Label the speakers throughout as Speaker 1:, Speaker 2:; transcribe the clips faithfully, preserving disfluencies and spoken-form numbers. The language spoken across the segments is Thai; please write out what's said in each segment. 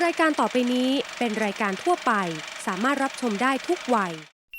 Speaker 1: ายการต่อไปนี้เป็นรายการทั่วไปสามารถรับชมได้ทุกวัย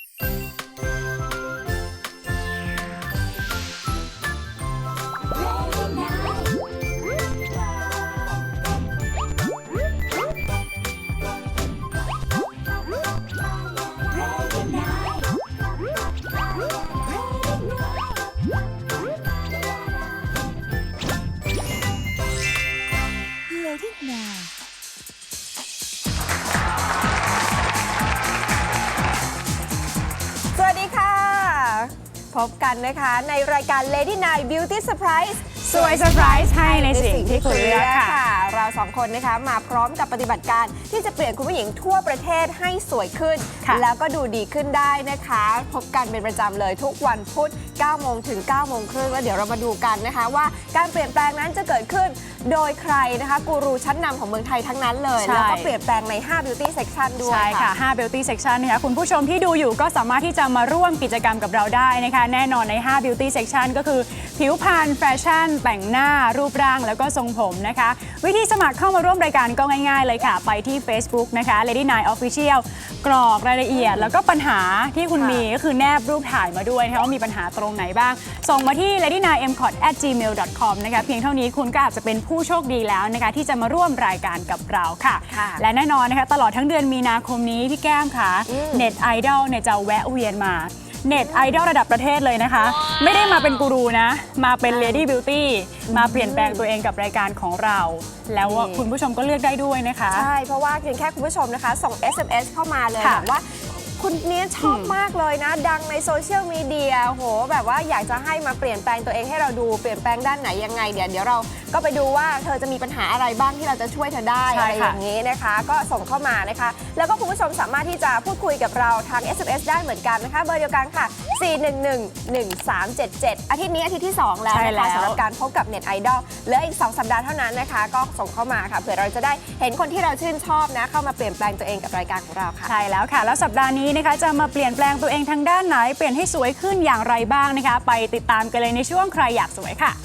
Speaker 2: สวัสดีค่ะพบกันนะคะในรายการ Lady Night Beauty Surprise
Speaker 3: สวยเซอร์ไพรส์ให้ในสิ่งที่คุณเลือกค่ะ
Speaker 2: เราสองคนนะคะมาพร้อมกับปฏิบัติการที่จะเปลี่ยนคุณผู้หญิงทั่วประเทศให้สวยขึ้นแล้วก็ดูดีขึ้นได้นะคะพบกันเป็นประจำเลยทุกวันพุธเก้าโมงถึงเก้าโมงครึ่งแล้วเดี๋ยวเรามาดูกันนะคะว่าการเปลี่ยนแปลงนั้นจะเกิดขึ้นโดยใครนะคะกูรูชั้นนำของเมืองไทยทั้งนั้นเลยแล้วก็เปลี่ยนแปลงในห้า Beauty Section ด้วย
Speaker 3: ใช่ค่ะห้า Beauty Section นะคะคุณผู้ชมที่ดูอยู่ก็สามารถที่จะมาร่วมกิจกรรมกับเราได้นะคะแน่นอนในห้า Beauty Section ก็คือผิวพรรณแฟชั่นแต่งหน้ารูปร่างแล้วก็ทรงผมนะคะวิธีสมัครเข้ามาร่วมรายการก็ง่ายๆเลยค่ะไปที่ Facebook นะคะ Lady Night Official กรอกรายละเอียดแล้วก็ปัญหาที่คุณมีก็คือแนบรูปถ่ายมาด้วยนะคะว่ามีปัญหาตรงไหนบ้างส่งมาที่ เลดี้ไนน์เอ็มคอท แอท จีเมล ดอท คอม นะคะเพียงเท่านี้คุณก็อาจจะเป็นผู้โชคดีแล้วนะคะที่จะมาร่วมรายการกับเราค่ะและแน่นอนนะคะตลอดทั้งเดือนมีนาคมนี้พี่แก้มค่ะเน็ตไอดอลเนี่ยจะแวะเวียนมาเน็ตไอดอลระดับประเทศเลยนะคะไม่ได้มาเป็นกูรูนะมาเป็น Lady Beauty มาเปลี่ยนแปลงตัวเองกับรายการของเราแล้วคุณผู้ชมก็เลือกได้ด้วยนะคะ
Speaker 2: ใช่เพราะว่าเพียงแค่คุณผู้ชมนะคะส่ง เอส เอ็ม เอส เข้ามาเลยบอกว่าคุณเนี้ยชอบมากเลยนะดังในโซเชียลมีเดียโหแบบว่าอยากจะให้มาเปลี่ยนแปลงตัวเองให้เราดูเปลี่ยนแปลงด้านไหนยังไงเดี๋ยวเดี๋ยวเราก็ไปดูว่าเธอจะมีปัญหาอะไรบ้างที่เราจะช่วยเธอได้อะไรอย่างนี้นะคะก็ส่งเข้ามานะคะแล้วก็คุณผู้ชมสามารถที่จะพูดคุยกับเราทาง เอส เอ็ม เอส ได้เหมือนกันนะคะเบอร์เดียวกันค่ะสี่ หนึ่ง หนึ่ง หนึ่ง สาม เจ็ด เจ็ดอาทิตย์นี้อาทิตย์ที่สองแล้วนะคะสำหรับการพบกับเน็ตไอดอลเหลืออีกสองสัปดาห์เท่านั้นนะคะก็ส่งเข้ามาค่ะเผื่อเราจะได้เห็นคนที่เราชื่นชอบนะเข้ามาเปลี่ยนแปลงตัวเองกับรายการของเราค่ะ
Speaker 3: ใช่แล้วค่ะแล้วสัปดาห์นี้นะคะจะมาเปลี่ยนแปลงตัวเองทางด้านไหนเปลี่ยนให้สวยขึ้นอย่างไรบ้างนะคะไปติดตามกันเลยในช่วงใครอยากสวยค่ะ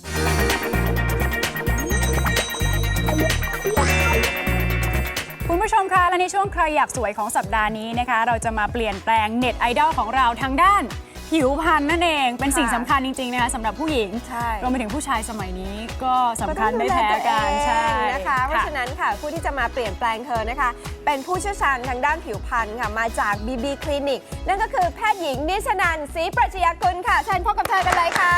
Speaker 3: คุณผู้ชมคะและในช่วงใครอยากสวยของสัปดาห์นี้นะคะเราจะมาเปลี่ยนแปลงเน็ตไอดอลของเราทางด้านผิวพรรณนั่นเองเป็นสิ่งสำคัญจริงๆนะคะสำหรับผู้หญิงรวมไปถึงผู้ชายสมัยนี้ก็สำคัญไม่แพ้กันใช่
Speaker 2: นะคะเพราะฉะนั้นค่ะผู้ที่จะมาเปลี่ยนแปลงเธอนะคะเป็นผู้เชี่ยวชาญทางด้านผิวพรรณค่ะมาจาก บี บี คลินิกนั่นก็คือแพทย์หญิงนิชนันท์ ศรีปรัชญากุลค่ะเชิญพบกับเธอกันเลยค่ะ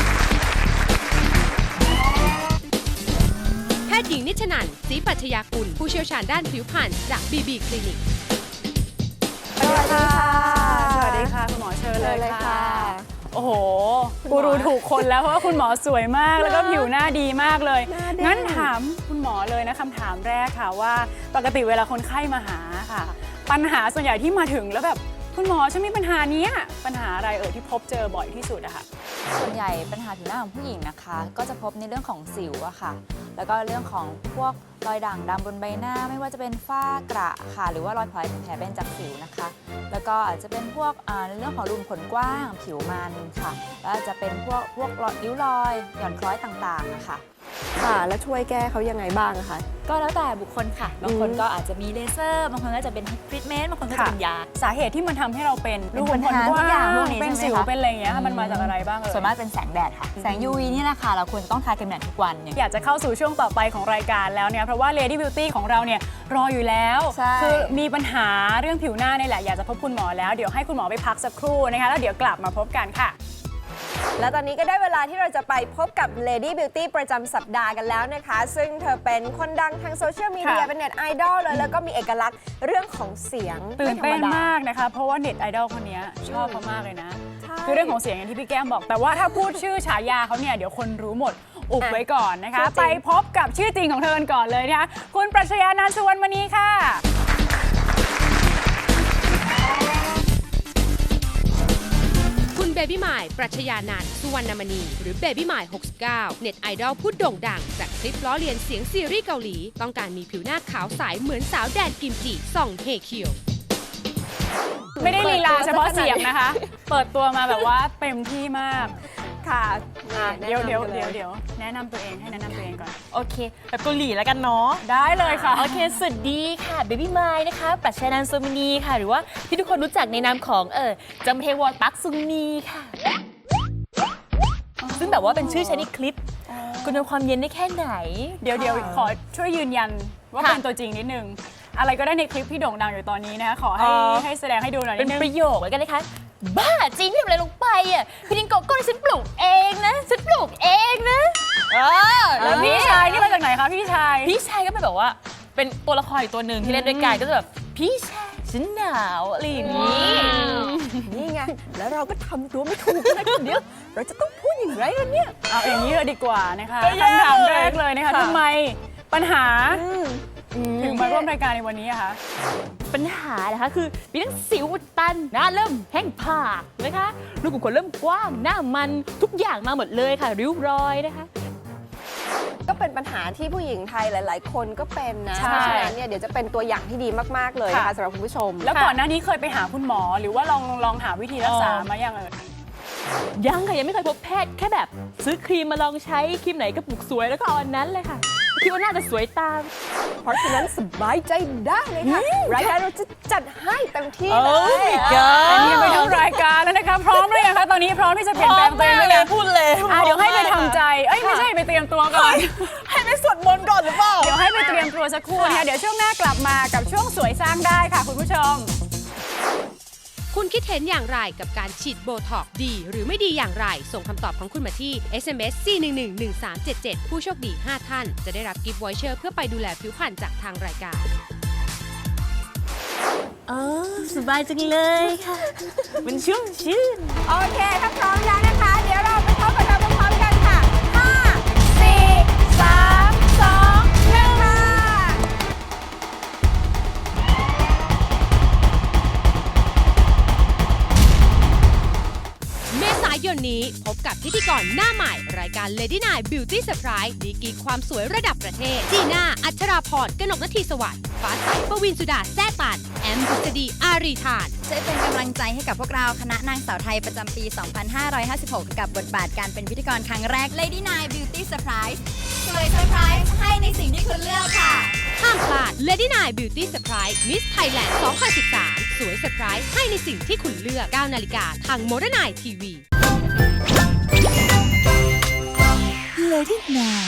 Speaker 1: แพทย์หญิงนิชนันท์ ศรีปรัชญากุลผู้เชี่ยวชาญด้านผิวพรรณจาก บี บี คลินิก
Speaker 3: สวัสดีค่ะสวัสดีค่ะคุณหมอเชิญเลยค่ะโอ้โหกูรู้ถูกคนแล้วเพราะว่าคุณหมอสวยมากแล้วก็ผิวหน้าดีมากเลยงั้นถามคุณหมอเลยนะคำถามแรกค่ะว่าปกติเวลาคนไข้มาหาค่ะปัญหาส่วนใหญ่ที่มาถึงแล้วแบบคุณหมอฉันมีปัญหานี้ปัญหาอะไรเอ่ยที่พบเจอบ่อยที่สุดอะค่ะ
Speaker 4: ส่วนใหญ่ปัญหาผิวหน้าของผู้หญิงนะคะก็จะพบในเรื่องของสิวอะค่ะแล้วก็เรื่องของพวกรอยด่างดำบนใบหน้าไม่ว่าจะเป็นฝ้ากระค่ะหรือว่ารอยแผลแผลเป็นจากสิวนะคะแล้วก็อาจจะเป็นพวกในเรื่องของรูขุมขนกว้างผิวมันค่ะแล้วอาจจะเป็นพวกพวกริ้วรอยหย่อนคล้อยต่างๆนะคะ
Speaker 2: ค่ะแล้วช่วยแก้เขายังไงบ้างคะ
Speaker 4: ก็แล้วแต่บุคคลค่ะบางคนก็อาจจะมีเลเซอร์บางคนก็จะเป็นทรีทเมนต์บางคนก็จะเป็นยา
Speaker 3: สาเหตุที่มันทำให้เราเป็นรูขุมขนกว้างเป็นสิวเป็นอะไรอย่างเงี้ยมันมาจากอะไรบ้างเอ่ย
Speaker 4: ส่วนมากเป็นแสงแดดค่ะแสง ยู วี นี่แหละค่ะเราควรต้องทากันแดดทุกวัน
Speaker 3: อยากจะเข้าสู่ช่วงต่อไปของรายการแล้วเนี่ยเพราะว่า Lady Beauty ของเราเนี่ยรออยู่แล้วคือมีปัญหาเรื่องผิวหน้านี่แหละอยากจะพบคุณหมอแล้วเดี๋ยวให้คุณหมอไปพักสักครู่นะคะแล้วเดี๋ยวกลับมาพบกันค่ะ
Speaker 2: และตอนนี้ก็ได้เวลาที่เราจะไปพบกับ Lady Beauty ประจำสัปดาห์กันแล้วนะคะซึ่งเธอเป็นคนดังทางโซเชียลมีเดียเป็นเน็ตไอดอลเลยแล้วก็มีเอกลักษณ์เรื่องของเสียง
Speaker 3: ตื่นเต้นมากนะคะเพราะว่าเน็ตไอดอลคนนี้ชอบเขามากเลยนะคือเรื่องของเสียงอย่างที่พี่แก้มบอกแต่ว่าถ้าพูดชื่อฉายาเขาเนี่ยเดี๋ยวคนรู้หมดอุบไว้ก่อนนะคะไปพบกับชื่อจริงของเธอก่อนเลยนะคะคุณปรัชญานันท์ สุวรรณมณีค่ะ
Speaker 1: เบบี้หมายปรัชญานันท์ สุวรรณมณีหรือเบบี้หมายหกสิบเก้าเน็ตไอดอลผู้โด่งดังจากคลิปล้อเลียนเสียงซีรีส์เกาหลีต้องการมีผิวหน้าขาวใสเหมือนสาวแดนกิมจิส่องเฮเคียว
Speaker 3: ไม่ได้ลีลาเฉพาะเสียงนะคะเปิดตัวมาแบบว่าเต็มที่มาก
Speaker 2: ค่ะ
Speaker 3: อ่ะ
Speaker 2: แนะ
Speaker 3: เดี๋ยวน
Speaker 2: ำ
Speaker 3: เดี๋ยว
Speaker 2: ไปล
Speaker 3: เดี๋ยวเดี๋ยวแนะนำตัวเองให้แนะนำตัวเองก่อน
Speaker 5: โอเคแบบเกาหลีแล้วกันเนาะ
Speaker 3: ได้เลยค่ะ
Speaker 5: โอเค สวัสดีค่ะ เบบี้ไมล์นะคะ ปรัชญานันท์โซมินีค่ะ หรือว่าที่ทุกคนรู้จักในนามของเออจำเทวอนปักซุงนีค่ะ ซึ่งแบบว่าเป็นชื่อใช้ในคลิป คุณเอาความเย็นได้แค่ไหน
Speaker 3: เดี๋ยวเดี๋ยวขอช่วยยืนยันว่า
Speaker 5: ค่ะ
Speaker 3: เป็นตัวจริงนิดนึง อะไรก็ได้ในคลิปที่โด่งดังอยู่ตอนนี้นะคะขอให้
Speaker 5: อ๋อ
Speaker 3: ให้แสดงให้ดูหน่อยนิ
Speaker 5: เป็น
Speaker 3: ดนึง
Speaker 5: ประโยคแล้วกันนะคะ บ้าจริงที่ทำอะไรลงไปอ่ะพี่ดิงโกโก้ฉันปลูกเองนะ ฉันปลูกเองนะเออ
Speaker 3: แล้
Speaker 5: แล้ว ว
Speaker 3: พี่
Speaker 5: พี่
Speaker 3: ชายนี่มาจากไหนคะพี่ชาย
Speaker 5: พี่ชายก็เป็นแบบว่า เป็นตัวละครอีกตัวหนึ่งที่เล่นด้วยกันก็จะแบบพี่ชายฉันหนาวอะไรอย่างนี้
Speaker 2: นี่ไง แล้วเราก็ทำตัวไม่ถูกนะเดี๋ยวเราจะต้องพูดอย่างไรกันเนี่ย
Speaker 3: เอาอย่างนี้เลยดีกว่านะคะ
Speaker 5: ก็แย่
Speaker 3: คำถาม
Speaker 5: เลย
Speaker 3: แรกเลยนะคะ
Speaker 5: ค่ะ
Speaker 3: ทำไมปัญหาถึงมาร่วมรายการในวันนี้อะคะ
Speaker 5: ปัญหานะคะคือมีทั้งสิวอุดตันหน้าเริ่มแห้งผากนะคะรูขุมขนเริ่มกว้างหน้ามันทุกอย่างมาหมดเลยค่ะ ริ้วรอยนะคะ
Speaker 2: ก็เป็นปัญหาที่ผู้หญิงไทยหลาย ๆ คนก็เป็นนะ
Speaker 3: ใช่
Speaker 2: เพราะฉะนั้นเนี่ยเดี๋ยวจะเป็นตัวอย่างที่ดีมาก ๆ เลยนะคะ
Speaker 3: ค่ะ
Speaker 2: สำหรับคุณผู้ชม
Speaker 3: แล้วก่อนหน้านี้เคยไปหาคุณหมอ หรือว่าลองลองหาวิธีรักษา
Speaker 5: เออ
Speaker 3: มายังเอ่ย
Speaker 5: ยังค่ะยังไม่เคยพบแพทย์แค่แบบซื้อครีมมาลองใช้ครีมไหนกระปุกสวยแล้วก็เอาอันนั้นเลยค่ะคิดว่าน่าจะสวยตาม
Speaker 2: เพราะฉะนั้นสบายใจได้เลยค่ะ รายการเราจะจัดให้เต็มที่เล
Speaker 5: Oh
Speaker 2: ย
Speaker 5: my god
Speaker 3: อันนี้ไปทั้งรายการแล้วนะคะ พร้อมเลยงคะตอนนี้พร้อมที่จะเปลี่ยนแปลงตัวเองหรือยัง
Speaker 5: พูดเลย
Speaker 3: อ่ะเดี๋ยวให้ไปทำใจ เอ้ยไม่ใช่ไปเตรียมตัวก่อน
Speaker 5: ให้ไปสวดมนต์ก่อนหรือเปล่า
Speaker 3: เดี๋ยวให้ไปเตรียมตัวสักครู่นะคะเดี๋ยวช่วงหน้ากลับมากับช่วงสวยสร้างได้ค่ะคุณผู้ชม
Speaker 1: คุณคิดเห็นอย่างไรกับการฉีดโบท็อกซ์ดีหรือไม่ดีอย่างไร ส่งคำตอบของคุณมาที่ เอส เอ็ม เอส สี่ หนึ่ง หนึ่ง หนึ่ง สาม เจ็ด เจ็ด ผู้โชคดี ห้า ท่าน จะได้รับกิฟต์วอยเชอร์เพื่อไปดูแลผิวพรรณจากทางรายการ
Speaker 5: อ๋อสบายจังเลยค่ะ มันชุ่มชื่น
Speaker 2: โอเค ถ้าพร้อมแล้วนะคะ เดี๋ยวเราไปพบกับเราพร้อมๆกันค่ะ ห้า สี่ สาม สอง หนึ่ง ค่ะ
Speaker 1: เมษายนนี้พบกับพิธีกรหน้าใหม่ รายการ Lady Night Beauty Surprise ดีกรีความสวยระดับประเทศ จีน่า อัชราพร กนกนทีสวัสดิ์ฟ้าใสปวินสุดาแซ่ตัน แอมบุษดีอารีธาน
Speaker 6: ช่วยเป็นกำลังใจให้กับพวกเราคณะนางสาวไทยประจำปี สองพันห้าร้อยห้าสิบหก กับบทบาทการเป็นพิธีกรครั้งแรก Lady Night Beauty Surprise สวยเซอร์ไพรส์ให้ในสิ่งที่คุณเลือกค่ะ
Speaker 1: ห้ามพลาด Lady Night Beauty Surprise Miss Thailand สองพันสิบสาม สวยเซอร์ไพรส์ให้ในสิ่งที่คุณเลือก เก้า นาฬิกาทาง Modern Night ที วี
Speaker 6: Lady Night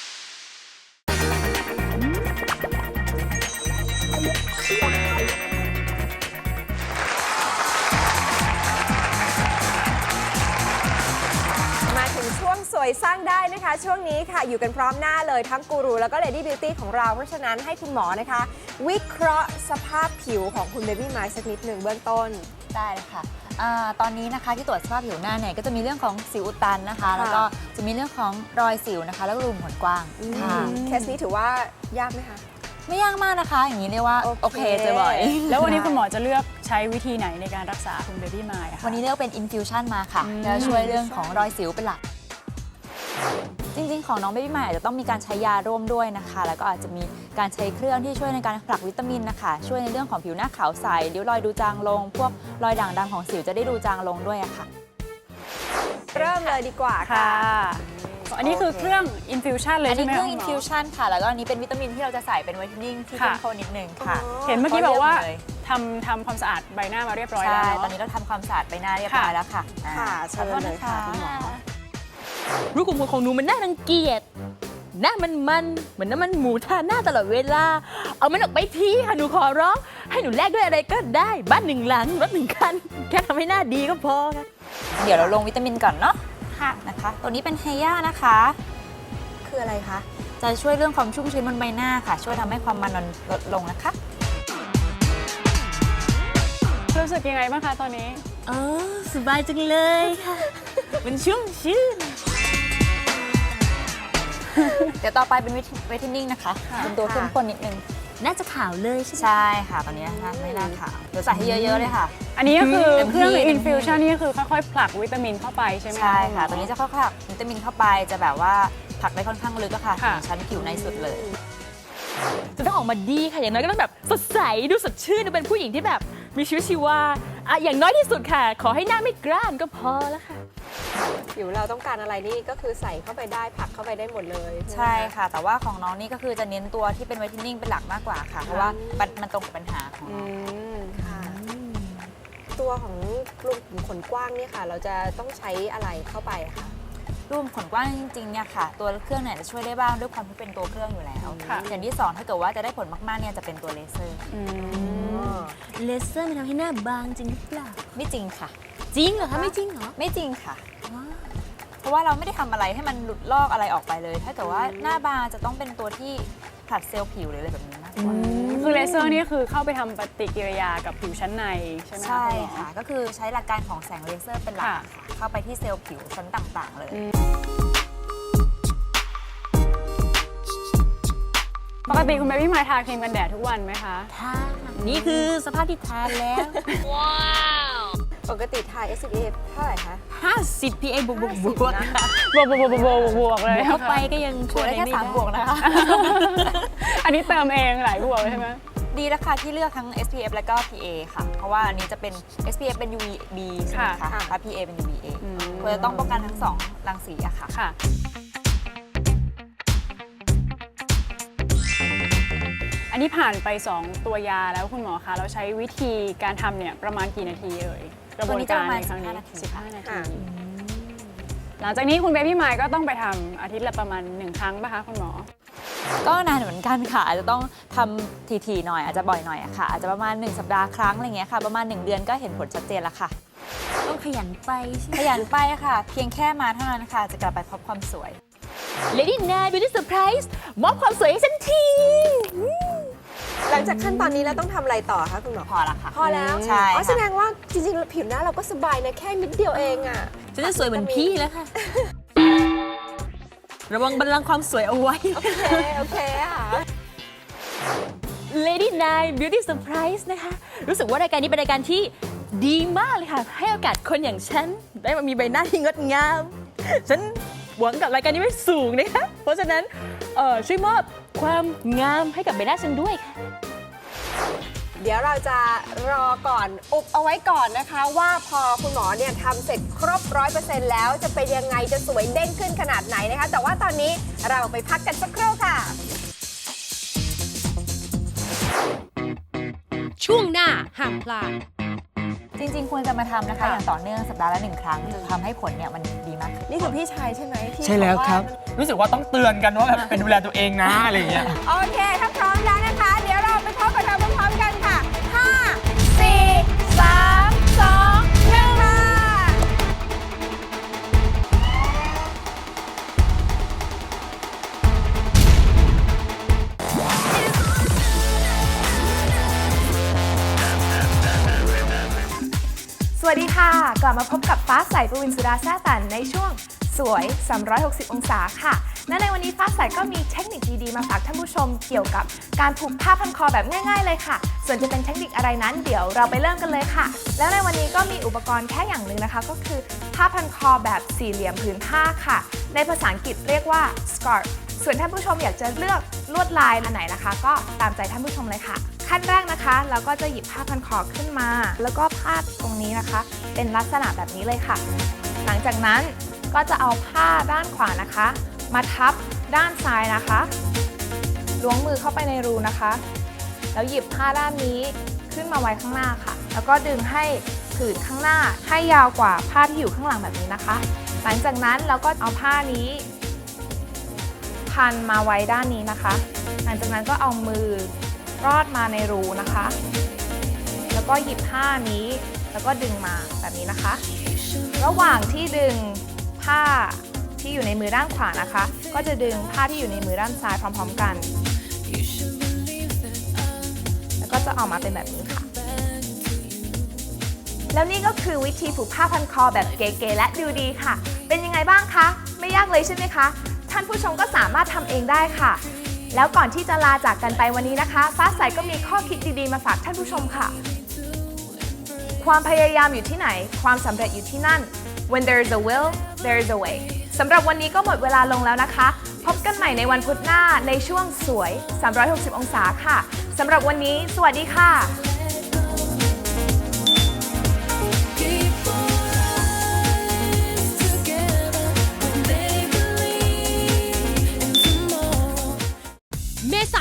Speaker 2: มาถึงช่วงสวยสร้างได้นะคะ ช่วงนี้ค่ะอยู่กันพร้อมหน้าเลยทั้งกูรูแล้วก็ Lady Beauty ของเรา เพราะฉะนั้นให้คุณหมอนะคะ วิเคราะห์สภาพผิวของคุณเบบี้ไมล์สักนิดหนึ่งเบื้องต้น
Speaker 4: ได้เลยค่ะอาตอนนี้นะคะที่ตรวจสภาพผิวหน้าเนี่ยก็จะมีเรื่องของสิวอุดตันนะคะ
Speaker 2: ค่ะ
Speaker 4: แล้วก็จะมีเรื่องของรอยสิวนะคะ แล้วก็รูขุมขนกว้างค่ะ
Speaker 2: เคสนี้ถือว่ายากไหมคะ
Speaker 4: ไม่ยากมากนะคะ อย่างนี้เรียกว่า
Speaker 2: โอเค
Speaker 4: โอเคเจอบ่อย
Speaker 3: แล้ววันนี้คุณหมอจะเลือกใช้วิธีไหนในการรักษาคุณเบบี้มายอะคะ
Speaker 4: วันนี้เลือกเป็น infusion มาค่ะ
Speaker 3: อืม
Speaker 4: แล้วช่วยเรื่องของรอยสิวเป็นหลัก จริงๆ ของน้องเบบี้ใหม่อาจจะต้องมีการใช้ยาร่วมด้วยนะคะ แล้วก็อาจจะมีการใช้เครื่องที่ช่วยในการผลักวิตามินนะคะ ช่วยในเรื่องของผิวหน้าขาวใสริ้วรอยดูจางลง พวกรอยด่างดำของสิวจะได้ดูจางลงด้วยอะค่ะ
Speaker 2: เริ่มเลยดีกว่า
Speaker 3: ค่ะ
Speaker 2: ค่ะ
Speaker 3: อันนี้คือเครื่อง infusion เลย
Speaker 4: อัน
Speaker 3: ใช่
Speaker 4: นี้
Speaker 3: ไหม
Speaker 4: เครื่อง
Speaker 3: คะคุณหม
Speaker 4: infusion ค่ะ แล้วก็อันนี้เป็นวิตามินที่เราจะใส่เป็นไวท์เทนนิ่งที่
Speaker 3: ค่ะ
Speaker 4: เข้มข้นนิดนึงค่ะ
Speaker 3: เห็นเมื่อกี้บอกว่า
Speaker 4: เขเรียกมเลย
Speaker 3: ทำทำความสะอาดใบหน้ามาเรียบร้อย
Speaker 4: ใช่
Speaker 3: แล้ว
Speaker 4: ตอน
Speaker 3: เนาะ
Speaker 4: นี้เราทำความสะอาดใบหน้าเรียบร้อยแล้วค่ะอ่า
Speaker 2: ค่ะเชิญ
Speaker 4: ขอโทษ
Speaker 2: เลย
Speaker 4: น
Speaker 2: ค่ะคุณหมอ
Speaker 5: รูขุมขนของหนูมันน่ารังเกียจ หน้ามันมันเหมือนน้ำมันหมูทาหน้าตลอดเวลา เอามันออกไปทีค่ะหนูขอร้อง ให้หนูแลกด้วยอะไรก็ได้ บ้านหนึ่งหลังรถหนึ่งคัน แค่ทำให้หน้าดีก็พอค่ะ
Speaker 4: เดี๋ยวเราลงวิตามินก่อนเนาะ
Speaker 3: ค่ะ
Speaker 4: นะคะ ตัวนี้เป็นเฮย่านะคะ คืออะไรคะ จะช่วยเรื่องความชุ่มชื้นบนใบหน้าค่ะ ช่วยทำให้ความมันลดลงนะคะ
Speaker 3: รู้สึกยังไงบ้างคะตอนนี้
Speaker 5: อ๋อสบายจังเลยค่ะ มันชุ่มชื่น
Speaker 4: เดี๋ยวต่อไปเป็นเวทเทนนิ่งนะคะ เป็นตัวเข้มข้นนิดนึง
Speaker 5: น่าจะขาวเลยใช่ไหม
Speaker 4: ใช่ค่ะ ตอนนี้นะคะไม่น่าขาวเดี๋ยวใส่ให้เยอะ ๆ เลยค่ะ
Speaker 3: อันนี้ก็คือ
Speaker 4: เต็มที่
Speaker 3: เครื่อง
Speaker 4: เต็มที่
Speaker 3: infusion นี่ก็คือค่อยๆ ผลักวิตามินเข้าไปใช่ไหม
Speaker 4: ใช่ค่ะ
Speaker 3: ณหม
Speaker 4: ตัวนี้จะค่อยๆผลักวิตามินเข้าไป จะแบบว่าผลักได้ค่อนข้างลึกอะค่ะ
Speaker 3: ค่ะ
Speaker 4: ถึงชั้นผิวในสุดเลย
Speaker 5: จะต้องออกมาดีค่ะ อย่างน้อยก็ต้องแบบสดใส ดูสดชื่น ดูเป็นผู้หญิงที่แบบมีชีวิตชีวาอ่ะอย่างน้อยที่สุดค่ะ ขอให้หน้าไม่กร้านก็พอแล้วค่ะ
Speaker 2: ผิวเราต้องการอะไรนี่ก็คือใส่เข้าไปได้ผักเข้าไปได้หมดเลย
Speaker 4: ใช่ค่ะ แต่ว่าของน้องนี่ก็คือจะเน้นตัวที่เป็นไวท์เทนนิ่งเป็นหลักมากกว่าค่ะ เพราะว่ามันมันตรงกับปัญหาของ
Speaker 2: อื
Speaker 4: น้อง
Speaker 2: มค่ะ ตัวของกลุ่มขนกว้างเนี่ยค่ะ เราจะต้องใช้อะไรเข้าไปคะ
Speaker 4: รูปขนกว้างจริงๆเนี่ยค่ะ ตัวเครื่องเนี่ยจะช่วยได้บ้างด้วยความที่เป็นตัวเครื่องอยู่แล้ว
Speaker 3: ค่ะ
Speaker 4: อย่างที่สองถ้าเกิดว่าจะได้ผลมากๆเนี่ยจะเป็นตัวเลเซอร์
Speaker 3: อืม
Speaker 5: เลเซอร์มันทำให้หน้าบางจริงหรือเปล่า
Speaker 4: ไม่จริงค่ะ
Speaker 5: จริงเหรอคะไม่จริงเหรอ
Speaker 4: ไม่จริงค่ะ เพราะว่าเราไม่ได้ทำอะไรให้มันหลุดลอกอะไรออกไปเลย ถ้าเกิดว่าหน้าบางจะต้องเป็นตัวที่ผลัดเซลล์ผิวหรืออะไรแบบนี้มากกว่า
Speaker 3: คือเลเซอร์นี่คือเข้าไปทำปฏิกิริยากับผิวชั้นในใช่ไหม
Speaker 4: ใช่
Speaker 3: ณหมอ
Speaker 4: ค่ะ ก็คือใช้หลักการของแสงเลเซอร์เป็นหลัก
Speaker 3: ค่ะ
Speaker 4: ค่ะเข้าไปที่เซลล์ผิวชั้นต่างๆ เลย
Speaker 3: ปกติคุณเบบี้มายทาครีมกันแดดทุกวันไหมคะ
Speaker 5: ทานี่คือสภาพที่ทานแล้ว
Speaker 2: ปกติทา เอส พี เอฟ เท่าไหร่คะ
Speaker 5: ห้าสิบ พี เอ บวกบวกบวก
Speaker 3: บวกบวกบวกบวกบวกบวกเลย
Speaker 5: เข้าไปก็ยัง
Speaker 4: บ
Speaker 5: ช่
Speaker 4: ว
Speaker 5: ว
Speaker 4: ก
Speaker 5: ย
Speaker 4: ได้แค่
Speaker 5: ไม่
Speaker 4: สามบวกนะคะ
Speaker 3: อันนี้เติมเองหลายบวกเลยใช่ไหม
Speaker 4: ดีแล้วค่ะที่เลือกทั้ง เอส พี เอฟ และก็ พี เอ ค่ะ เพราะว่าอันนี้จะเป็น เอส พี เอฟ เป็น ยู วี บี ใช่ไหม
Speaker 3: ค่ะ
Speaker 4: คะและ พี เอ เป็น ยู วี เอ
Speaker 3: อืม
Speaker 4: เพื่อต้องป้องกันทั้งสองรังสีอะค่ะ
Speaker 3: ค่ะ อันนี้ผ่านไป สอง ตัวยาแล้วคุณหมอคะเราใช้วิธีการทำเนี่ยประมาณกี่นาทีเอ่ยกระบวนการในครั้งนี้
Speaker 4: สิบห้านาที
Speaker 3: สิบห้านาที หลังจากนี้คุณเบบี้มายก็ต้องไปทำอาทิตย์ละประมาณหนึ่งครั้งป่ะคะคุณหมอ
Speaker 4: ก็นานเหมือนกันค่ะอาจจะต้องทำทีๆหน่อยอาจจะบ่อยหน่อยอะค่ะอาจจะประมาณหนึ่งสัปดาห์ครั้งอะไรเงี้ยค่ะประมาณหนึ่งเดือนก็เห็นผลชัดเจนแล้วค่ะ
Speaker 5: ต้องขยันไปใช่ไหม
Speaker 4: ขยันไปค่ะ เพียงแค่มาเท่านั้นค่ะจะกลับไปพบความสวย
Speaker 5: Lady Nine Beauty Surprise มอบความสวยให้ฉันที
Speaker 2: หลังจากขั้นตอนนี้แล้วต้องทำอะไรต่อคะคุณหมอ
Speaker 4: พอละค่ะ
Speaker 2: พอแล้ว
Speaker 4: ใช่
Speaker 2: อ๋อ
Speaker 4: ค่ะ
Speaker 2: แสดงว่าจริงๆผิวหน้าเราก็สบายนะแค่นิดเดียวเองอ่ะ
Speaker 5: ฉันจะสวยเหมือนพี่แล้วค่ะ ระวังบัลลังก์ความสวยเอาไว้
Speaker 2: โอเค โอเคอ่ะ
Speaker 5: Lady Nine Beauty Surprise นะคะ รู้สึกว่ารายการนี้เป็นรายการที่ดีมากเลยค่ะ ให้โอกาสคนอย่างฉัน ได้มามีใบหน้าที่งดงาม ฉันหวังกับรายการนี้ไว้สูงนะคะ เพราะฉะนั้นเอ่อช่วยมอบความงามให้กับใบหน้าฉันด้วยค่ะ
Speaker 2: เดี๋ยวเราจะรอก่อน อุบเอาไว้ก่อนนะคะ ว่าพอคุณหมอเนี่ยทำเสร็จครบร้อยเปอร์เซ็นต์แล้วจะเป็นยังไงจะสวยเด้งขึ้นขนาดไหนนะคะ แต่ว่าตอนนี้เราไปพักกันสักครู่ค่ะ
Speaker 1: ช่วงหน้าห้ามพลาด
Speaker 4: จริงๆควรจะมาทำนะคะ อย่างต่อเนื่องสัปดาห์ละหนึ่งครั้งจะทำให้ผลเนี่ยมันดีมากขึ้น
Speaker 2: นี่คือพี่ชายใช่ไหมที่
Speaker 7: ใช่แล้วครับ
Speaker 2: อกา
Speaker 7: รู้สึกว่าต้องเตือนกันว่าแบบเป็นดูแลตัวเองนะอะไรอย่างเงี้ย
Speaker 2: โอเค ถ้าพร้อมแล้วนะคะ เดี๋ยวเราไปพบกับเราพร้อมๆกันค่ะ ห้า สี่ สาม สอง หนึ่ง ค่ะ
Speaker 8: สวัสดีค่ะ กลับมาพบกับฟ้าใสปวินสุดาแซ่ตันในช่วงสวย สามร้อยหกสิบ องศาค่ะ และในวันนี้ฟ้าใสก็มีเทคนิคดีๆมาฝากท่านผู้ชมเกี่ยวกับการผูกผ้าพันคอแบบง่ายๆเลยค่ะ ส่วนจะเป็นเทคนิคอะไรนั้นเดี๋ยวเราไปเริ่มกันเลยค่ะ แล้วในวันนี้ก็มีอุปกรณ์แค่อย่างหนึ่งนะคะ ก็คือผ้าพันคอแบบสี่เหลี่ยมผืนผ้าค่ะ ในภาษาอังกฤษเรียกว่า scarf ส่วนท่านผู้ชมอยากจะเลือกลวดลายอันไหนนะคะ ก็ตามใจท่านผู้ชมเลยค่ะ ขั้นแรกนะคะเราก็จะหยิบผ้าพันคอขึ้นมา แล้วก็พาดตรงนี้นะคะ เป็นลักษณะแบบนี้เลยค่ะ หลังจากนั้นก็จะเอาผ้าด้านขวานะคะ มาทับด้านซ้ายนะคะล้วงมือเข้าไปในรูนะคะ แล้วหยิบผ้าด้านนี้ขึ้นมาไว้ข้างหน้าค่ะ แล้วก็ดึงให้ผืนข้างหน้าให้ยาวกว่าผ้าที่อยู่ข้างหลังแบบนี้นะคะ หลังจากนั้นเราก็เอาผ้านี้ พันมาไว้ด้านนี้นะคะ หลังจากนั้นก็เอามือรอดมาในรูนะคะ แล้วก็หยิบผ้านี้แล้วก็ดึงมาแบบนี้นะคะ ระหว่างที่ดึงผ้าที่อยู่ในมือด้านขวานะคะ ก็จะดึงผ้าที่อยู่ในมือด้านซ้ายพร้อมๆกัน แล้วก็จะออกมาเป็นแบบนี้ค่ะ แล้วนี่ก็คือวิธีผูกผ้าพันคอแบบเก๋ๆและดูดีค่ะ เป็นยังไงบ้างคะ ไม่ยากเลยใช่ไหมคะ ท่านผู้ชมก็สามารถทำเองได้ค่ะ แล้วก่อนที่จะลาจากกันไปวันนี้นะคะ ฟ้าใสก็มีข้อคิดดีๆมาฝากท่านผู้ชมค่ะ ความพยายามอยู่ที่ไหน ความสำเร็จอยู่ที่นั่น When there is a will there is a way สำหรับวันนี้ก็หมดเวลาลงแล้วนะคะ พบกันใหม่ในวันพุธหน้าในช่วงสวย สามร้อยหกสิบ องศาค่ะสำหรับวันนี้สวัสดีค่ะ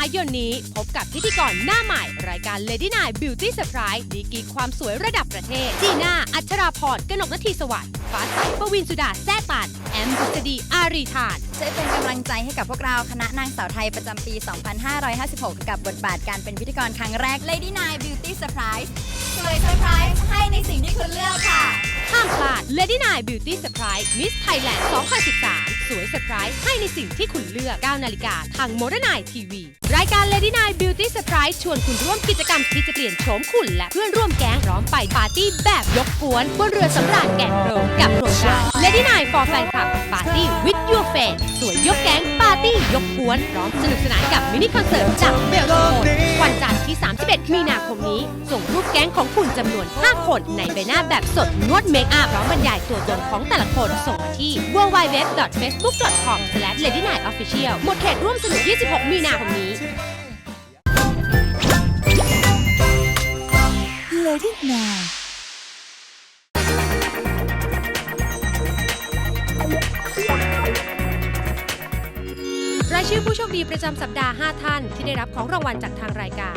Speaker 1: ายนนี้พบกับพิธีกรหน้าใหม่รายการ Lady Night Beauty Surprise ดีกรีความสวยระดับประเทศจีน่า อัชราพร กนกนทีสวัสดิ์ฟ้าใส ปวินสุดา แซ่ตัน แอมบุษดี อารีธาน
Speaker 6: ช่วยเป็นกำลังใจให้กับพวกเราคณะนางสาวไทยประจำปี สองพันห้าร้อยห้าสิบหก กับบทบาทการเป็นพิธีกรครั้งแรก Lady Night Beauty Surprise สวยเซอร์ไพรส์ให้ในสิ่งที่คุณเลือกค่ะ
Speaker 1: ห้ามพลาด Lady Night Beauty Surprise Miss Thailand สองพันสิบสาม สวยเซอร์ไพรส์ให้ในสิ่งที่คุณเลือก เก้านาฬิกาทาง Modern Night ที วี รายการ Lady Night Beauty Surprise ชวนคุณร่วมกิจกรรมที่จะเปลี่ยนโฉมคุณและเพื่อนร่วมแก๊งพร้อมไปปาร์ตี้แบบยกกวนบนเรือสำราญแก่งโรมกับโครงการ Lady Night for Fan Club Party with Your Fan สวยยกแก๊งปาร์ตี้ยกกวนพร้อมสนุกสนานกับมินิคอนเสิร์ตจากเบลโตนวันจันทร์ที่ สามสิบเอ็ด มีนาคมนี้ส่งรูปแก๊งของคุณจำนวน ห้า คนในใบหน้าแบบสดนวดเมคอัพพร้อมบรรยายตัวตนของแต่ละคนส่งมาที่ ดับเบิลยู ดับเบิลยู ดับเบิลยู ดอท เฟซบุ๊ก ดอท คอม สแลช เลดี้ไนท์ ออฟฟิเชียล หมดเขตร่วมสนุก ยี่สิบหก มีนาคมนี้
Speaker 5: Lady Night
Speaker 1: รายชื่อผู้โชคดีประจำสัปดาห์ ห้า ท่านที่ได้รับของรางวัลจากทางรายการ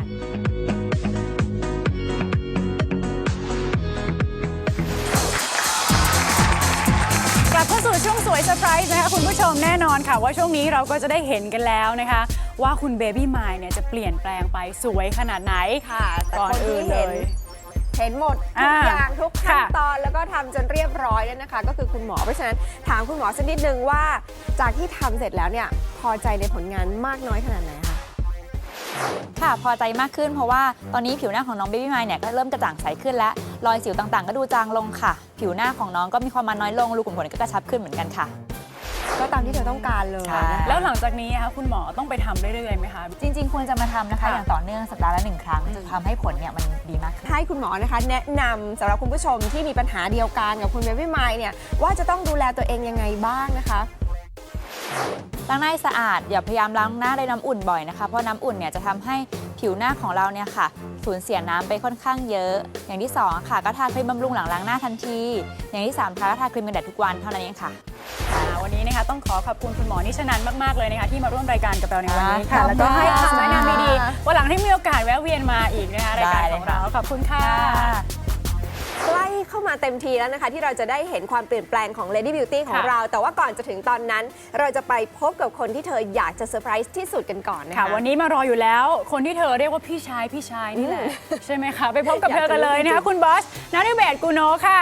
Speaker 3: กลับเข้าสู่ช่วงสวยเซอร์ไพรส์นะคะคุณผู้ชมแน่นอนค่ะว่าช่วงนี้เราก็จะได้เห็นกันแล้วนะคะ ว่าคุณเบบี้มายเนี่ยจะเปลี่ยนแปลงไปสวยขนาดไหน
Speaker 2: ค่ะแต่
Speaker 3: ก่อน
Speaker 2: คน
Speaker 3: อื่
Speaker 2: ที่
Speaker 3: นเล
Speaker 2: เห็น
Speaker 3: ย
Speaker 2: เห็นหมดทุก
Speaker 3: อ่า
Speaker 2: อย่างทุกขั้น
Speaker 3: ค่ะ
Speaker 2: ตอนแล้วก็ทำจนเรียบร้อยแล้วนะคะ ก็คือคุณหมอเพราะฉะนั้นถามคุณหมอสักนิดนึงว่าจากที่ทำเสร็จแล้วเนี่ยพอใจในผลงานมากน้อยขนาดไหนคะ
Speaker 4: ค่ะพอใจมากขึ้นเพราะว่าตอนนี้ผิวหน้าของน้องเบบี้มายเนี่ยก็เริ่มกระจ่างใสขึ้นและรอยสิวต่างๆ ก็ดูจางลงค่ะ ผิวหน้าของน้องก็มีความมันน้อยลงรูขุมขนก็กระชับขึ้นเหมือนกันค่ะ
Speaker 2: ก็ตามที่เธอต้องการเลย
Speaker 4: ใช่
Speaker 2: นะคะ
Speaker 3: แล้วหลังจากนี้นะคะคุณหมอต้องไปทำเรื่อยๆไหมคะ
Speaker 4: จริงๆควรจะมาทำนะคะ
Speaker 3: ค่ะ
Speaker 4: อย่างต่อเนื่องสัปดาห์ละหนึ่งครั้งจะทำให้ผลเนี่ยมันดีมากขึ้น
Speaker 2: ให้คุณหมอนะคะแนะนำสำหรับคุณผู้ชมที่มีปัญหาเดียวกันกับคุณเบบี้มายเนี่ยว่าจะต้องดูแลตัวเองยังไงบ้างนะคะ
Speaker 4: ล้างหน้าให้สะอาดอย่าพยายามล้างหน้าด้วยน้ำอุ่นบ่อยนะคะเพราะน้ำอุ่นเนี่ยจะทำให้ผิวหน้าของเราเนี่ยค่ะสูญเสียน้ำไปค่อนข้างเยอะ อย่างที่สองค่ะก็ทาครีมบำรุงหลังล้างหน้าทันที อย่างที่สามค่ะก็ทาครีมกันแดดทุกวันเท่านั้นเองค่ะ
Speaker 3: อ่าวันนี้นะคะต้องขอขอบคุณคุณหมอนิชนันมากๆเลยนะคะที่มาร่วมรายการกับเราในวันนี้ค่ะ
Speaker 2: ขอบคุณ
Speaker 3: แล้วก็ให้
Speaker 2: ค่ะ
Speaker 3: คำแนะนำดีๆวันหลังที่มีโอกาสแวะเวียนมาอีกนะคะรายการ
Speaker 4: ได้เล
Speaker 3: ข
Speaker 4: ย
Speaker 3: องเราขอบคุณค่ะ
Speaker 2: ใกล้เข้ามาเต็มทีแล้วนะคะ ที่เราจะได้เห็นความเปลี่ยนแปลงของ Lady Beauty ของ
Speaker 3: ค่ะ
Speaker 2: เรา แต่ว่าก่อนจะถึงตอนนั้น เราจะไปพบกับคนที่เธออยากจะเซอร์ไพรส์ที่สุดกันก่อนนะคะ
Speaker 3: ค่ะวันนี้มารออยู่แล้ว คนที่เธอเรียกว่าพี่ชายพี่ชายนี่แหละ
Speaker 2: อืม
Speaker 3: ใช่ไหมคะไปพบกับ
Speaker 2: อยาก
Speaker 3: เธอกันเลย
Speaker 2: จะรู้
Speaker 3: นะคะ
Speaker 2: จริงๆ
Speaker 3: คุณบอสณฤเบศรกุโนค่ะ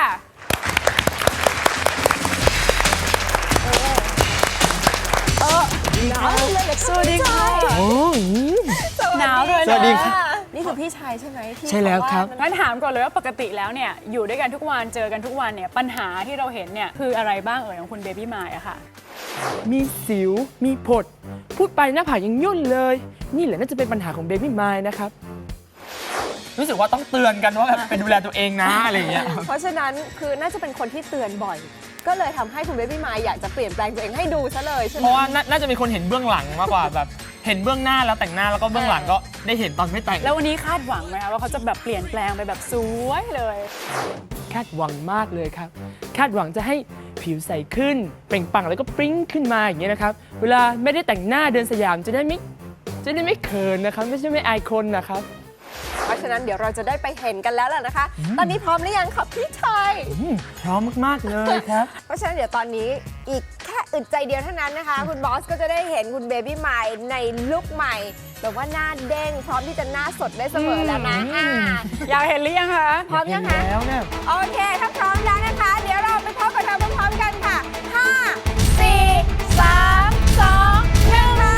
Speaker 3: เออหนาวเลยสวัสดีค่ะ
Speaker 7: โอ้ย
Speaker 3: หนาวเลย
Speaker 7: สวัสดีค่ะ
Speaker 2: นี่คือพี่ชายใช่ไหมที่
Speaker 7: ใช่แล้วครับ
Speaker 2: อกา
Speaker 3: งั้นถามก่อนเลยว่าปกติแล้วเนี่ยอยู่ด้วยกันทุกวันเจอกันทุกวันเนี่ยปัญหาที่เราเห็นเนี่ยคืออะไรบ้างเอ่ยของคุณเบบี้มายอะค่ะ
Speaker 7: มีสิว มีผด พูดไปหน้าผากยังย่นเลย นี่แหละน่าจะเป็นปัญหาของเบบี้มายนะครับ รู้สึกว่าต้องเตือนกันว่าแบบเป็นดูแลตัวเองนะอะไรอย่างเงี้ย
Speaker 2: เพราะฉะนั้นคือน่าจะเป็นคนที่เตือนบ่อย ก็เลยทำให้คุณเบบี้มายอยากจะเปลี่ยนแปลงตัวเองให้ดูซะเลยใช่ไหม
Speaker 7: เพราะว่าน่าน่าจะมีคนเห็นเบื้องหลังมากกว่าแบบเห็นเบื้องหน้าแล้วแต่งหน้าแล้วก็เบื้องหลังก็ได้เห็นตอนไม่แต่ง
Speaker 3: แล้ววันนี้คาดหวังไหมคะว่าเขาจะแบบเปลี่ยนแปลงไปแบบสวยเลย
Speaker 7: คาดหวังมากเลยครับ คาดหวังจะให้ผิวใสขึ้น เปล่งปลั่งแล้วก็ปริ้งขึ้นมาอย่างเงี้ยนะครับ เวลาไม่ได้แต่งหน้าเดินสยามจะได้ไม่จะได้ไม่เขินนะครับ ไม่ใช่ไม่อายคนนะครับ
Speaker 2: เพราะฉะนั้นเดี๋ยวเราจะได้ไปเห็นกันแล้วแหละนะคะ ตอนนี้พร้อมหรือยังครับพี่ชาย
Speaker 7: อืมพร้อมมาก ๆ เลยครับ
Speaker 2: เพราะฉะนั้นเดี๋ยวตอนนี้อีกแค่อึดใจเดียวเท่านั้นนะคะ คุณบอสก็จะได้เห็นคุณเบบี้ใหม่ในลุคใหม่แบบว่าหน้าเด้งพร้อมที่จะหน้าสดได้เสมอแล้วนะ
Speaker 7: อืม
Speaker 2: อ่า
Speaker 3: อยากเห็นหรือยังคะ
Speaker 2: พร้อมยังคะ
Speaker 7: เห็นแล้วเนี่ย
Speaker 2: โอเค ถ้าพร้อมแล้วนะคะ เดี๋ยวเราไปพบกับเธอพร้อมๆกันค่ะ ห้า สี่ สาม สอง หนึ่งค่ะ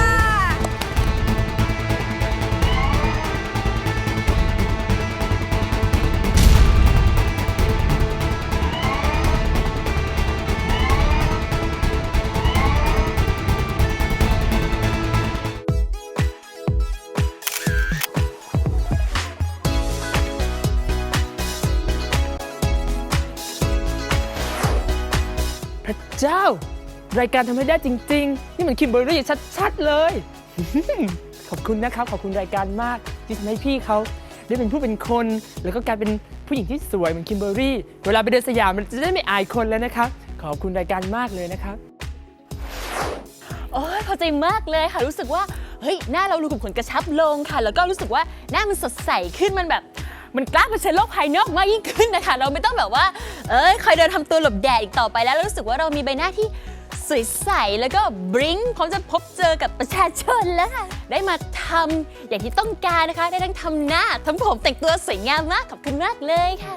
Speaker 7: พระเจ้า รายการทำให้ได้จริง ๆ นี่เหมือนคิมเบอร์รี่ชัด ๆ เลย ขอบคุณนะครับ ขอบคุณรายการมากที่ทำให้พี่เขาได้เป็นผู้เป็นคน แล้วก็กลายเป็นผู้หญิงที่สวยเหมือนคิมเบอร์รี่ เวลาไปเดินสยามมันจะได้ไม่อายคนแล้วนะครับ ขอบคุณรายการมากเลยนะครับ
Speaker 5: โอ้ยพอใจมากเลยค่ะรู้สึกว่าเฮ้ยหน้าเรารูขุมขนกระชับลงค่ะ แล้วก็รู้สึกว่าหน้ามันสดใสขึ้นมันแบบมันกล้าเผชิญโลกภายนอกมากยิ่งขึ้นนะคะเราไม่ต้องแบบว่าเอ้ยคอยเดินทำตัวหลบแดดอีกต่อไปแล้วแล้วรู้สึกว่าเรามีใบหน้าที่สวยใสแล้วก็บริ้งพร้อมจะพบเจอกับประชาชนแล้วค่ะได้มาทำอย่างที่ต้องการนะคะได้ทั้งทำหน้าทำผมแต่งตัวสวยงามมากขอบคุณมากเลยค่ะ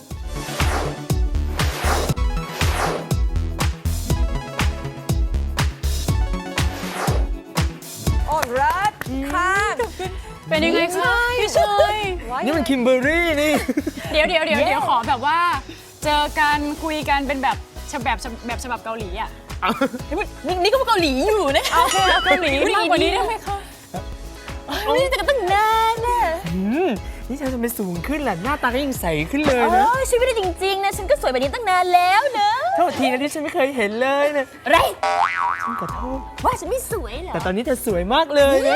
Speaker 2: โอ้เลิศค่ะ
Speaker 3: เป็นยังไงคะพี่ชอย
Speaker 7: นี่มันคิมเบอร์รี่นี่
Speaker 3: เดี๋ยวเดี๋ยวเดี๋ยวเดี๋ยวขอแบบว่าเจอกันคุยกันเป็นแบบฉบับแบบฉบับเกาหลีอ่ะ
Speaker 5: นี่นี่ก็เกาหลีอยู่นะคะ
Speaker 3: โอเคเกาหลีมากกว่านี้ได้ไหมคะ
Speaker 5: ไม่ได้เจอกันตั้งนานน่ะ
Speaker 7: อืมนี่ฉันจะไปสูงขึ้นแหละหน้าตาก็ยิ่งใสขึ้นเลย
Speaker 5: เอ
Speaker 7: นะ
Speaker 5: อชีวิตได้จริงๆนะฉันก็สวยแบบนี้ตั้งนานแล้วเนอะ
Speaker 7: โทษทีนะที่ฉันไม่เคยเห็นเลยนะ
Speaker 5: อะไร
Speaker 7: ฉันขอโทษ
Speaker 5: ว่าฉันไม่สวยเหรอ
Speaker 7: แต่ตอนนี้เธอสวยมากเลยนะ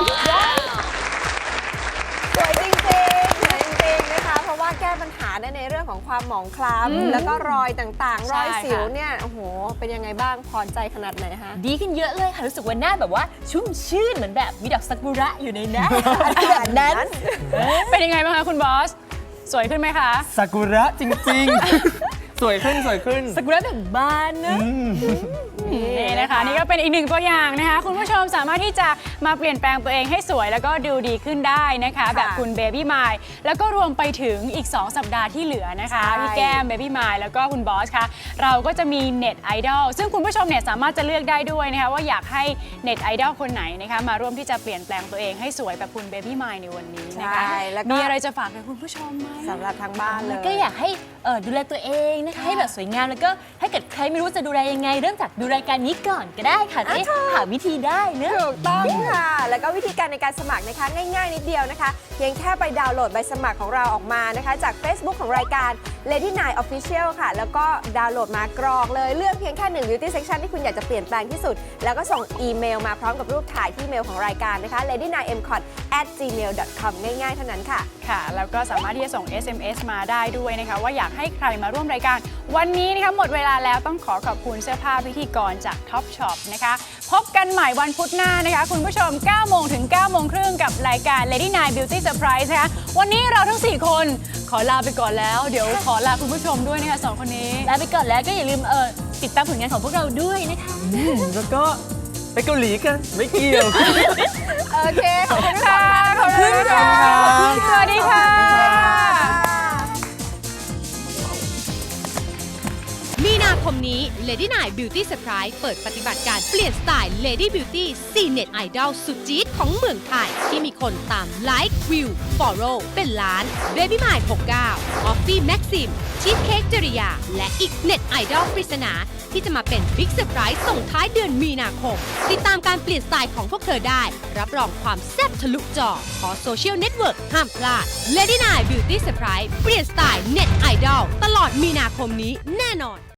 Speaker 2: สวยจริงๆสวยจริงๆนะคะ เพราะว่าแก้ปัญหาได้ในเรื่องของความหมองคล้ำแล้วก็รอยต่างๆ รอยสิวเนี่ย โอ้โห เป็นยังไงบ้าง พอใจขนาดไหนคะ
Speaker 5: ดีขึ้นเยอะเลยค่ะรู้สึกว่าหน้าแบบว่าชุ่มชื่นเหมือนแบบมีดอกซากุระอยู่ในหน้าแบบนั้น
Speaker 3: เป็นยังไงบ้างคะคุณบอส สวยขึ้นไหมคะ
Speaker 7: ซากุระจริงๆ สวยขึ้นสวยขึ้น
Speaker 5: ซากุระแบบบานนะ
Speaker 3: นี่นะคะนี่ก็เป็นอีกหนึ่งตัวอย่างนะคะคุณผู้ชมสามารถที่จะมาเปลี่ยนแปลงตัวเองให้สวยแล้วก็ดูดีขึ้นได้นะคะ แบบคุณเบบี้มายแล้วก็รวมไปถึงอีก สอง สัปดาห์ที่เหลือนะคะ
Speaker 2: ใช่
Speaker 3: พี่แก้มเบบี้มายแล้วก็คุณบอสคะเราก็จะมีเน็ตไอดอลซึ่งคุณผู้ชมเนี่ยสามารถจะเลือกได้ด้วยนะคะว่าอยากให้เน็ตไอดอลคนไหนนะคะมาร่วมที่จะเปลี่ยนแปลงตัวเองให้สวยแบบคุณเบบี้มายในวันนี้นะคะ
Speaker 2: ใช่แล้วก็
Speaker 3: มีอะไรจะฝากถึงคุณผู้ชมไหม
Speaker 2: สำหรับทางบ้านเลย
Speaker 5: ก็อยากให้เอ่อดูแลตัวเองนะคะให้แบบสวยงามแล้วก็ถ้าเกิดใครไม่รู้จะดูแลยังไง เริ่มจากดูรายการนี้ก่อนก็ได้ค่ะจะได้หาวิธีได้เนอะ
Speaker 2: ถูกต้องค่ะ แล้วก็วิธีการในการสมัครนะคะง่ายๆนิดเดียวนะคะเพียงแค่ไปดาวน์โหลดใบสมัครของเราออกมานะคะจาก Facebook ของรายการ Lady Nine Official ค่ะ แล้วก็ดาวน์โหลดมากรอกเลยเลือกเพียงแค่หนึ่ง beauty section ที่คุณอยากจะเปลี่ยนแปลงที่สุด แล้วก็ส่งอีเมลมาพร้อมกับรูปถ่ายที่เมลของรายการนะคะ เลดี้ไนน์เอ็มคอท แอท จีเมล ดอท คอม ง่ายๆเท่านั้นค่ะ
Speaker 3: ค่ะแล้วก็สามารถที่จะส่ง เอส เอ็ม เอส มาได้ด้วยนะคะว่าอยากให้ใครมาร่วมรายการวันนี้นะคะหมดเวลาแล้วต้องขอขอบคุณเสื้อผ้าพิธีกรจาก Top Shop นะคะพบกันใหม่วันพุธหน้านะคะคุณผู้ชมเก้าโมงถึงเก้าโมงครึ่งกับรายการ Lady Nine Beauty Surprise นะคะวันนี้เราทั้งสี่คนขอลาไปก่อนแล้วเดี๋ยวขอลาคุณผู้ชมด้วยนะคะสองคนนี้
Speaker 5: ลาไปก่อนแล้วก็อย่าลืมเออติดตามผลงานของพวกเราด้วยนะคะ
Speaker 7: แล้วก็ไปเกาหลีกัน ไม่เกี่ยว
Speaker 2: โอเค ขอบคุณค่ะ
Speaker 3: ขอบคุณค่ะ สวัสดีค่ะ
Speaker 1: มีนาคมนี้ Lady Nine Beauty Surprise เปิดปฏิบัติการเปลี่ยนสไตล์ Lady Beauty สี่ เน็ตไอดอลสุดจี๊ดของเมืองไทย ที่มีคนตามไลค์วิว follow เป็นล้าน Baby m i หกสิบเก้า Offie Maxim ชีสเค้กจริยา และอีกเน็ตไอดอลปริศนาที่จะมาเป็นบิ๊กเซอร์ไพรส์ส่งท้ายเดือนมีนาคม ติดตามการเปลี่ยนสไตล์ของพวกเธอได้ รับรองความแซ่บทะลุจอขอโซเชียลเน็ตเวิร์กห้ามพลาด Lady Nine Beauty Surprise เปลี่ยนสไตล์เน็ตไอดอลตลอดมีนาคมนี้แน่นอน